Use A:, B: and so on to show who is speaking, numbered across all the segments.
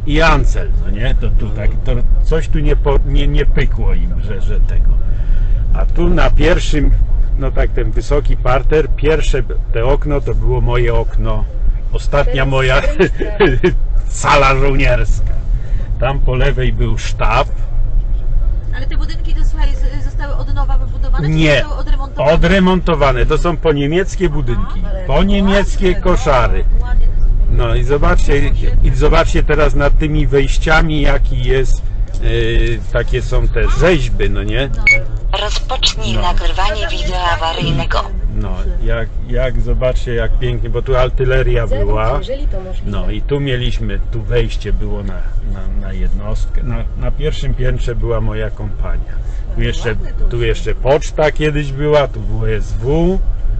A: i Ancel, no nie? To tu tak, to coś tu nie pykło im, że tego. A tu na pierwszym, no tak ten wysoki parter, pierwsze te okno to było moje okno, ostatnia moja sala żołnierska. Tam po lewej był sztab.
B: Ale te budynki to słuchaj, zostały od nowa wybudowane?
A: Nie,
B: czy zostały odremontowane?
A: odremontowane. To są poniemieckie budynki, poniemieckie koszary.
B: Ładnie to zrobili.
A: No i zobaczcie teraz nad tymi wejściami, jaki jest, takie są te rzeźby, no nie?
C: Rozpocznij nagrywanie wideo awaryjnego.
A: No, jak zobaczcie, jak pięknie, bo tu artyleria była. No i tu mieliśmy, tu wejście było na jednostkę. Na pierwszym piętrze była moja kompania. Tu jeszcze poczta kiedyś była, tu WSW.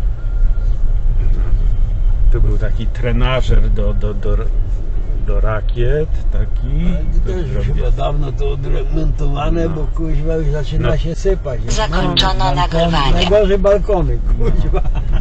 A: Tu był taki trenażer do rakiet, taki.
D: To już chyba dawno to odremontowane, bo kuźwa już zaczyna się sypać.
C: Zakończono nagrywanie.
D: Najgorzej balkony, kuźwa.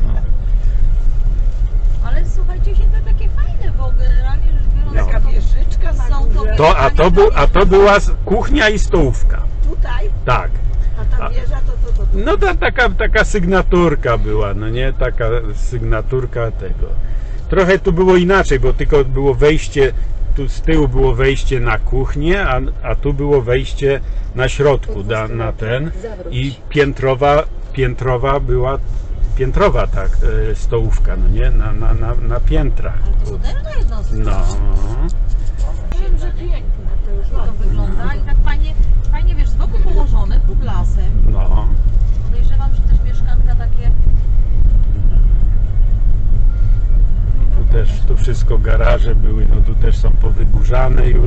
B: Ale słuchajcie, się to takie fajne, bo generalnie rzecz biorąc...
E: Taka wieżyczka na
B: Są to
E: górze.
A: A to była kuchnia i stołówka.
E: Tutaj,
A: Tak.
E: a ta wieża to.
A: No taka sygnaturka była, no nie? Taka sygnaturka tego. Trochę tu było inaczej, bo tylko było wejście, tu z tyłu było wejście na kuchnię, a tu było wejście na środku, na ten i piętrowa była, tak, stołówka, no nie? Na piętrach.
B: To moderna jednostka.
A: No.
B: Wiem, że piękne to już to wygląda i tak fajnie wiesz, z boku położone, pod lasem.
A: No.
B: Podejrzewam, że też mieszkanka takie...
A: Tu wszystko garaże były, no tu też są powyburzane już.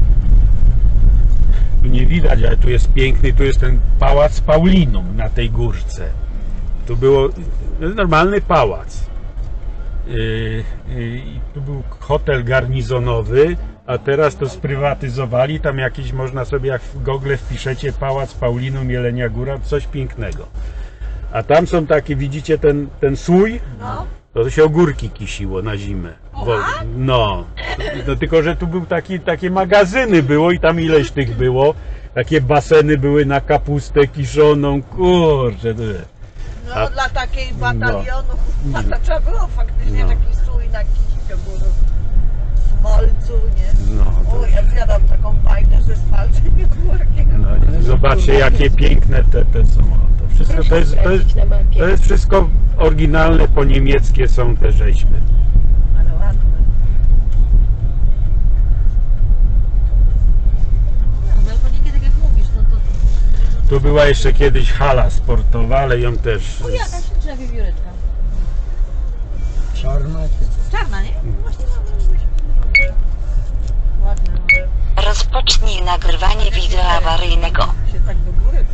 A: Tu nie widać, ale tu jest piękny, tu jest ten pałac Paulinum na tej górce. Tu było normalny pałac. I tu był hotel garnizonowy, a teraz to sprywatyzowali. Tam jakiś, można sobie, jak w Google wpiszecie Pałac Paulinum, Jelenia Góra, coś pięknego. A tam są takie, widzicie ten słój?
B: No.
A: To się ogórki kisiło na zimę. No tylko, że tu był takie magazyny było i tam ileś tych było. Takie baseny były na kapustę kiszoną, kurczę.
E: No dla takiej batalionu, to trzeba było faktycznie taki stój na kiśkę, było smalcu, nie?
A: No, to...
E: O, ja zjadam taką fajną ze smalcem i ogórkiem.
A: No, i zobaczcie, jakie piękne te są. To wszystko to jest wszystko oryginalne, po niemieckie są te rzeźby.
E: Ale ładne.
B: No, balkoniki, tak jak mówisz, to...
A: Tu była jeszcze kiedyś hala sportowa, ale ją też...
B: O, jakaś śliczna wiewióreczka.
D: Czarna czy
B: Czarna, nie? Właśnie ładne.
C: Rozpocznij nagrywanie wideo awaryjnego.
E: Się tak do góry.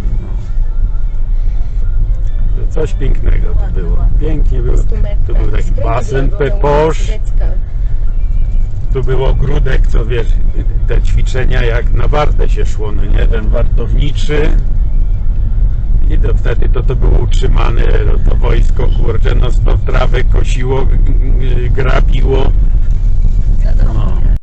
A: Coś pięknego to było. Pięknie było. Tu był taki basen Peposz. Tu był ogródek, co wiesz, te ćwiczenia jak na wartę się szło, no nie? Ten wartowniczy. I to wtedy to było utrzymane, to wojsko, kurczę, no stop trawę kosiło, grabiło.